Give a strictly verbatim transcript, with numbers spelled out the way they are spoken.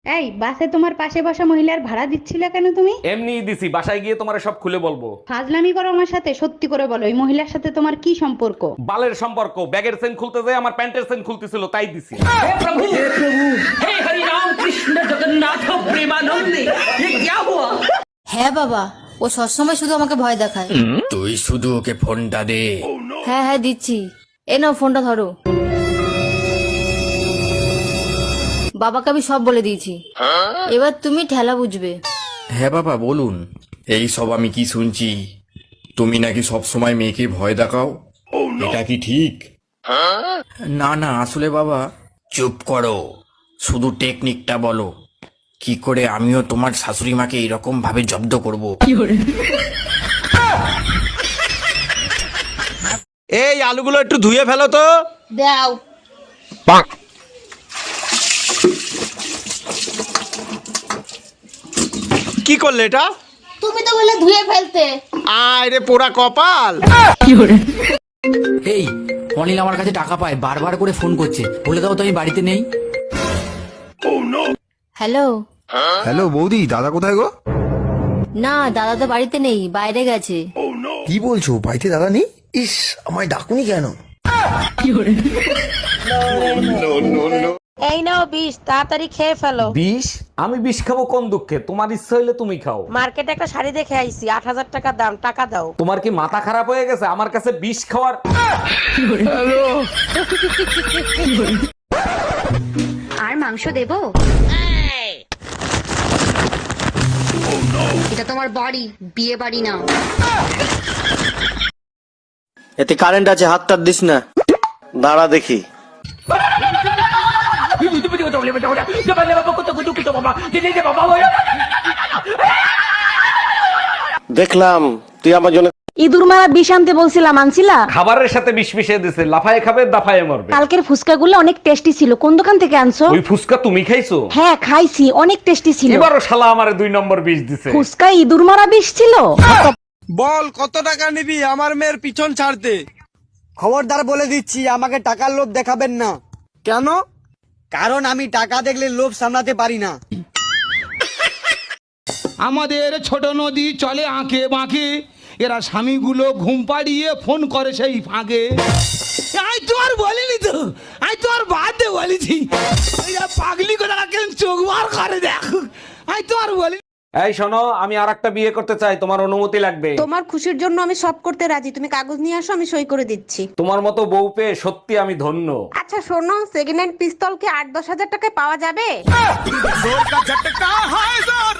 এই বাসে তোমার পাশে বসা মহিলার ভাড়া দিচ্ছিলে কেন তুমি? এমনি দিছি, বাসায় গিয়ে তোমার সব খুলে বলবো। ফাজলামি করো আমার সাথে, সত্যি করে বলো এই মহিলার সাথে তোমার কি সম্পর্ক? বালের সম্পর্ক, ব্যাগের চেন খুলতে যায় আমার প্যান্টের চেন খুলতেছিল তাই দিছি। হ্যাঁ বাবা, ও সবসময় শুধু আমাকে ভয় দেখায়। তুই শুধু ওকে ফোনটা দে। হ্যাঁ হ্যাঁ দিচ্ছি, এ নাও ফোনটা ধরো। বাবাকে আমি সব বলে দিয়েছি, এবার তুমি ঠেলা বুঝবে। হ্যাঁ বাবা বলুন। এই সব আমি কি শুনছি? তুমি নাকি সব সময় মেয়েকে ভয় দেখাও, এটা কি ঠিক? না না আসলে বাবা। চুপ করো, শুধু টেকনিকটা বলো, কি করে আমিও তোমার শাশুড়ি মাকে এরকম ভাবে জব্দ করব। এই আলুগুলো একটু ধুয়ে ফেলো তো। দাও। কি করলে এটা? তুমি তো বলে ধুয়ে ফেলতে। আয় রে পোড়া কপাল। এই অনিল আমার কাছে টাকা পায়, বারবার করে ফোন করছে, বলে দাও তো আমি বাড়িতে নেই। হ্যালো। হ্যালো বৌদি, দাদা কোথায় গো? না দাদা তো বাড়িতে নেই, বাইরে গেছে। কি বলছো, বাড়িতে দাদা নেই? ইস, আমায় ডাকুনি কেন? এই নাও বিষ, তাড়াতাড়ি খেয়ে ফেলো। বিষ? আমি বিষ খাবো কোন দুঃখে? তোমার ইচ্ছা হইলে তুমি খাও। মার্কেটে একটা শাড়ি দেখে আইছি, আট হাজার টাকা দাম, টাকা দাও। তোমার কি মাথা খারাপ হয়ে গেছে আমার কাছে বিষ খাওয়ার? আর মাংস দেবো? এটা তোমার বাড়ি, বিয়ে বাড়ি না। এতে কারেন্ট আছে, হাত টাত দিস না। দাঁড়া দেখি। দেখলাম তুই আমার জন্য ইঁদুর মারা বিষ আনতে বলছিলাম, আনছিলা? খাবারের সাথে বিষ মিশিয়ে দিছে, লাফায় খাবে দাফায় মরবে। কালকের ফুচকাগুলো অনেক টেস্টি ছিল, কোন দোকান থেকে আনছো? ওই ফুসকা তুমি খাইছো? হ্যাঁ খাইছি, অনেক টেস্টি ছিল। এবারও শালা আমারে দুই নম্বর বিষ দিছে। ফুচকা ইঁদুর মারা বিষ ছিল। বল কত টাকা নিবি আমার মেয়ের পিছন ছাড়তে? খবরদার বলে দিচ্ছি, আমাকে টাকার লোভ দেখাবেন না। কেন? কারণ আমি টাকা দেখলে লোভ সামলাতে পারি না। আমাদের ছোট নদী চলে আঁকে বাঁকে, এরা স্বামীগুলো ঘুম পাড়িয়ে ফোন করে সেই ফাঁকে। আমি তোমার বলিনি তো, আমি তোমার বাদে বলেছি। এরা পাগলি কথা কেন চোখ বার করে দেখ, আমি তোমার বলি। এই শোনো, আমি আর একটা বিয়ে করতে চাই, তোমার অনুমতি লাগবে। তোমার খুশির জন্য আমি সব করতে রাজি, তুমি কাগজ নিয়ে আসো, আমি সই করে দিচ্ছি। তোমার মতো বউ পেয়ে সত্যি আমি ধন্য। আচ্ছা শোনো, সেকেন্ড হ্যান্ড পিস্তল কি আট দশ হাজার টাকায় পাওয়া যাবে?